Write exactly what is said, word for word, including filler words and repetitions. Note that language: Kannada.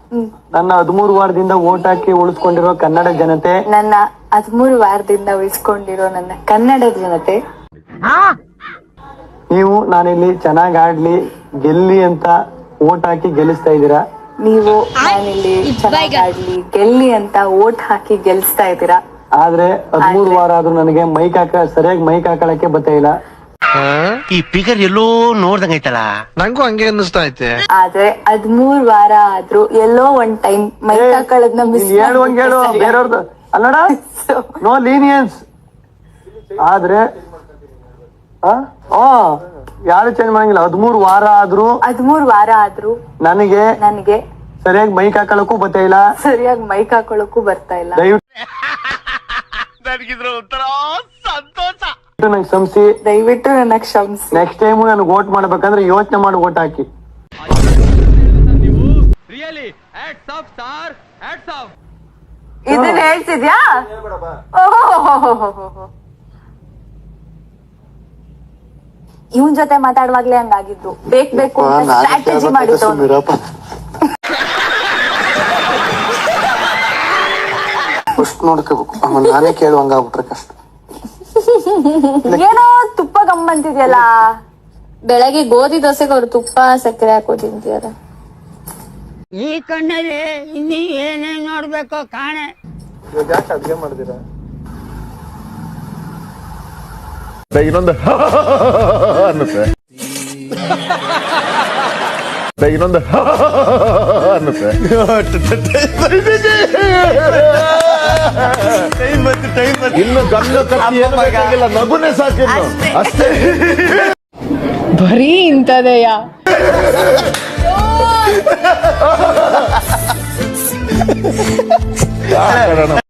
ನನ್ನ ಹದಿಮೂರು ವಾರದಿಂದ ಓಟ್ ಹಾಕಿ ಉಳಿಸ್ಕೊಂಡಿರೋ ಕನ್ನಡ ಜನತೆ, ನನ್ನ ಹದಿಮೂರು ವಾರದಿಂದ ಉಳಿಸ್ಕೊಂಡಿರೋ ನನ್ನ ಕನ್ನಡ ಜನತೆ, ನೀವು ನಾನಿಲ್ಲಿ ಚೆನ್ನಾಗ್ ಆಡ್ಲಿ ಗೆಲ್ಲಿ ಅಂತ ಓಟ್ ಹಾಕಿ ಗೆಲ್ಲಿಸ್ತಾ ಇದ್ದೀರಾ. ನೀವು ನಾನಿಲ್ಲಿ ಚೆನ್ನಾಗಿ ಆಡ್ಲಿ ಗೆಲ್ಲಿ ಅಂತ ಓಟ್ ಹಾಕಿ ಗೆಲ್ಸ್ತಾ ಇದ್ದೀರಾ. ಆದ್ರೆ ಹದಿಮೂರು ವಾರ ಆದ್ರೂ ನನಗೆ ಮೈಕ್ ಹಾಕ ಸರಿಯಾಗಿ ಮೈಕ್ ಹಾಕೊಳಕ್ಕೆ ಬರ್ತಾ ಇಲ್ಲ. ಈ ಫಿಗರ್ ಎಲ್ಲೋ ನೋಡ್ದಂಗೈತಲ್ಲ, ನಂಗೂ ಹಂಗೆ ಅನ್ನಿಸ್ತಾ ಐತೆ. ಆದ್ರೆ ಹದಿಮೂರ್ ವಾರ ಆದ್ರೂ ಎಲ್ಲೋ ಒಂದ್ ಟೈಮ್ ಮೈಕ್ ಹಾಕೊಳ್ಳೋದ್ನ ಮಿಸ್ ಹೇಳು ಹಂಗ ಹೇಳು ಬೇರೆಯವ್ರದ್ದು ಅಲ್ಲಡ, ನೋ ಲೀನಿಯನ್ಸ್. ಆದ್ರೆ ಯಾರು ಚೇಂಜ್ ಮಾಡಂಗಿಲ್ಲ. ಹದಿಮೂರು ವಾರ ಆದ್ರೂ ಹದಿಮೂರ್ ವಾರ ಆದ್ರೂ ನನಗೆ ನನಗೆ ಸರಿಯಾಗಿ ಮೈಕ್ ಹಾಕೊಳಕ್ಕೂ ಬರ್ತಾ ಇಲ್ಲ, ಸರಿಯಾಗಿ ಮೈಕ್ ಹಾಕೊಳ್ಳಕ್ಕೂ ಬರ್ತಾ ಇಲ್ಲ. ದಯವಿಟ್ಟು ನನಗಿದ್ರ ಒಂಥರ ಸಂತೋಷ. ನಂಗೆ ಕ್ಷಮಿಸಿ, ದಯವಿಟ್ಟು ನನ್ನ ಕ್ಷಮಿಸಿ. ನೆಕ್ಸ್ಟ್ ಟೈಮ್ ನನಗೆ ವೋಟ್ ಮಾಡ್ಬೇಕಂದ್ರೆ ಯೋಚನೆ ಮಾಡಿ ವೋಟ್ ಹಾಕಿ. ಇದನ್ನ ಹೇಳ್ತಿದ್ಯಾ? ಇವನ್ ಜೊತೆ ಮಾತಾಡುವಾಗ್ಲೇ ಹಂಗಾಗಿದ್ದು. ಬೇಕ್ ಬೇಕು ಸ್ಟ್ರಾಟಜಿ ಮಾಡಿದ್ದು. ಅಷ್ಟು ನೋಡ್ಕೋಬೇಕು, ನಾನೇ ಕೇಳುವಂಗಾಗ್ಬಿಟ್ರೆ ಕಷ್ಟ. ಏನೋ ತುಪ್ಪ ಗಮ್ಮಂತಿದ್ಯಲ್ಲ. ಬೆಳಗ್ಗೆ ಗೋಧಿ ದೋಸೆಗೆ ಅವ್ರು ತುಪ್ಪ ಸಕ್ಕರೆ ಹಾಕೋ ತಿಂತೀರ. ಈ ಕಣ್ಣಲ್ಲಿ ಇನ್ನೀ ಏನೇನ್ ನೋಡ್ಬೇಕೋ ಕಾಣೆ. ಯಾಕೆ ಅಡ್ಗೆ ಮಾಡಿದಿರ? ಇನ್ನೊಂದು ಅನ್ನುತ್ತೆ ಇನ್ನೊಂದು ಅನ್ನುತ್ತೆ ಇನ್ನು ಗಂಡು ಕತ್ತಿ ಏನು ಬೇಕಾಗಿಲ್ಲ, ನಗುನೇ ಸಾಕಿಲ್ಲ ಅಷ್ಟೇ. ಬರೀ ಇಂಥದೆಯಾ? ಕಾರಣ